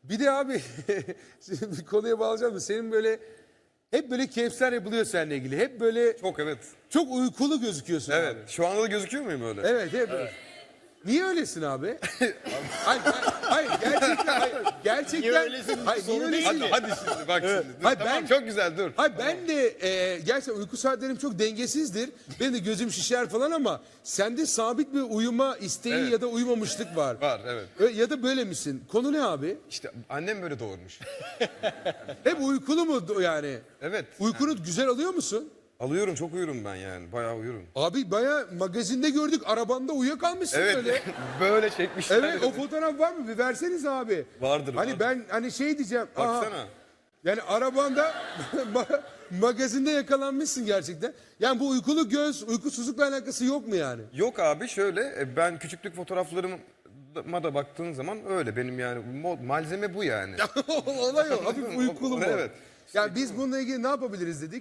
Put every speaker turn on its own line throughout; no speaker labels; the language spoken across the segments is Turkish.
Bir de abi şimdi bir konuya bağlayacağım da senin böyle hep böyle keyifler yapılıyor seninle ilgili. Hep böyle
Çok evet.
çok uykulu gözüküyorsun
Evet.
abi.
Şu anda da gözüküyor muyum öyle?
Evet hep. Niye öylesin abi? hayır gerçekten gerçekten.
Niye öylesin?
Hayır, niye
Soru
öylesin?
değil
Hadi şimdi bak şimdi. Dur,
Hayır,
tamam
ben-
çok güzel dur.
Hayır ben de gerçekten uyku saatlerim çok dengesizdir. Benim de gözüm şişer falan ama sende sabit bir uyuma isteği
Evet.
ya da uyumamışlık var.
Var evet.
Ya da böyle misin? Konu ne abi?
İşte annem böyle doğurmuş.
Hep uykulu mu yani?
Evet.
Uykunu güzel alıyor musun?
Alıyorum çok uyurum ben yani. Bayağı uyurum.
Abi baya magazinde gördük arabanda uyuyakalmışsın
Evet.
böyle.
Böyle çekmişler.
Evet o fotoğraf var mı? Bir verseniz abi.
Vardır,
Hani
vardır.
ben hani şey diyeceğim. aha,
Baksana.
yani arabanda magazinde yakalanmışsın gerçekten. Yani bu uykulu göz, uykusuzlukla alakası yok mu yani?
Yok abi şöyle ben küçüklük fotoğraflarıma da baktığın zaman öyle benim yani malzeme bu yani.
Olay o. Hafif uykulu mu?
Evet.
Yani biz bununla ilgili ne yapabiliriz dedik.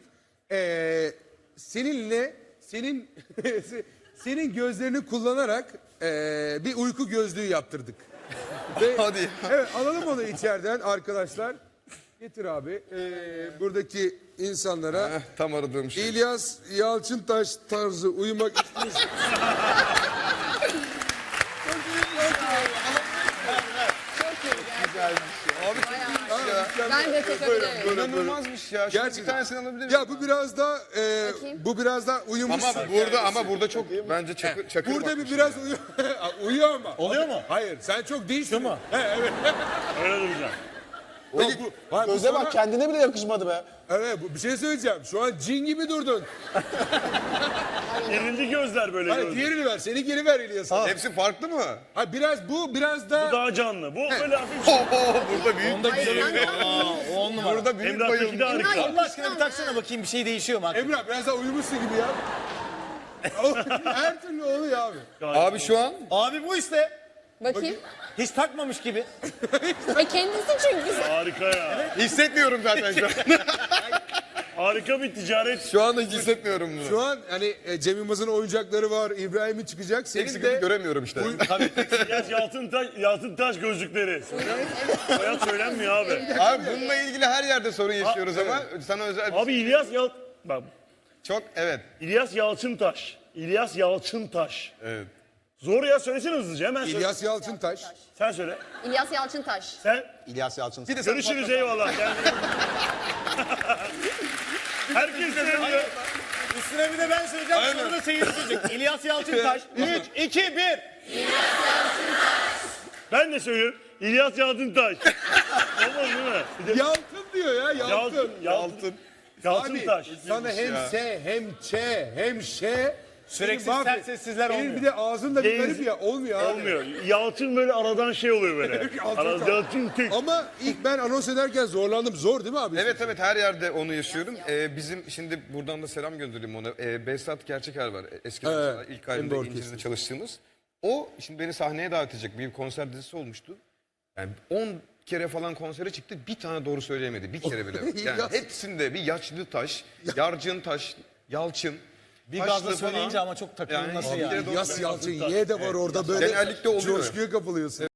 Senin senin gözlerini kullanarak bir uyku gözlüğü yaptırdık. Ve,
Hadi.
Evet alalım onu içeriden arkadaşlar. Getir abi. Buradaki insanlara
Tam aradığım şey.
İlyas Yalçıntaş tarzı uyumak istiyorsun.
Abi çok iyiymiş ya.
Ben de takabilirim.
İnanılmazmış ya. Şimdi bir
Gerçekten.
tanesini alabilir miyim?
Ya bu biraz da
Bakayım.
bu biraz da uyumuşsun.
Ama burada çok bence çakır
Burada bir
bakmış
biraz
ya.
uyuyor ama.
Oluyor mu?
Hayır sen çok değilsin.
mu?
Evet.
Öyle duracağım.
Peki, hayır, bu
Göze
sana-
bak kendine bile yakışmadı be.
Evet bir şey söyleyeceğim. Şu an cin gibi durdun.
Gerildi gözler böyle
Hayır
gözler.
diğerini ver. Seni geri ver İlyas'a.
Hepsi farklı mı?
Hayır biraz bu biraz da.
Daha canlı. Bu böyle hafif.
Burada büyük
Hayır,
O 10 numara.
Burada büyük
Emrah'taki de
bayılmış.
harika.
Allah aşkına bir taksana bakayım bir şey değişiyor mu?
Emrah biraz daha uyumuşsun gibi ya. Her türlü oluyor abi.
Abi şu an
Abi bu işte.
bakayım.
Hiç takmamış gibi.
Kendisi çünkü.
Harika ya.
hissetmiyorum zaten şu an.
Harika bir ticaret.
Şu anda hiç hissetmiyorum bunu.
Şu an hani Cem Yılmaz'ın oyuncakları var. İbrahim'in çıkacak.
Tek
Senin
sıkıntı
de
göremiyorum işte.
İlyas Yalçıntaş gözlükleri. Hayat söylenmiyor abi.
Abi bununla ilgili her yerde sorun yaşıyoruz ama sana özel bir
Abi Bak,
çok evet.
İlyas Yalçıntaş. İlyas Yalçıntaş.
Evet.
Zor ya, söylesene hızlıca hemen söyle.
İlyas Yalçıntaş.
Sen söyle.
İlyas Yalçıntaş.
Sen.
İlyas Yalçın.
Bir de sen
Görüşürüz, eyvallah. Kendine. Herkes seviyor.
Üstüne bir de ben söyleyeceğim. Sonra da seyirci söyleyecek. İlyas Yalçıntaş. 3, 2, 1.
Ben de söylüyorum. İlyas Yalçıntaş. Olmaz değil mi? Bir de
Yalçın diyor ya Yalçın.
Yalçın.
Abi
Yalçıntaş.
sana hem S hem Ç hem Ş.
Süreksiz
Seni mahvet-
sert sessizler
Senin
olmuyor.
bir de ağzın da bir
Geniz-
garip ya. Olmuyor abi.
Olmuyor. Yalçın böyle aradan şey oluyor böyle. Yalçın tek.
Ama ilk ben anons ederken zorlandım. Zor değil mi abi?
Evet evet her yerde onu yaşıyorum. Bizim şimdi buradan da selam göndereyim ona. Behzat Gerçeker var. Eskiden
Evet,
mesela ilk
hem de
halinde
orkestra.
İncil'de çalıştığımız. O şimdi beni sahneye davet edecek. Bir konser dizisi olmuştu. Yani 10 kere falan konsere çıktı. Bir tane doğru söyleyemedi. Bir kere bile. Yani
Ya.
hepsinde bir yaşlı taş, yarcın taş, Yalçın.
Bir
taşlı
gazla
falan.
söyleyince ama çok takılması
Yani
yani.
bir kere doğru
Yas Yalçın Y de var orada böyle
Genellikle oluyor.
coşkuya kapılıyorsun.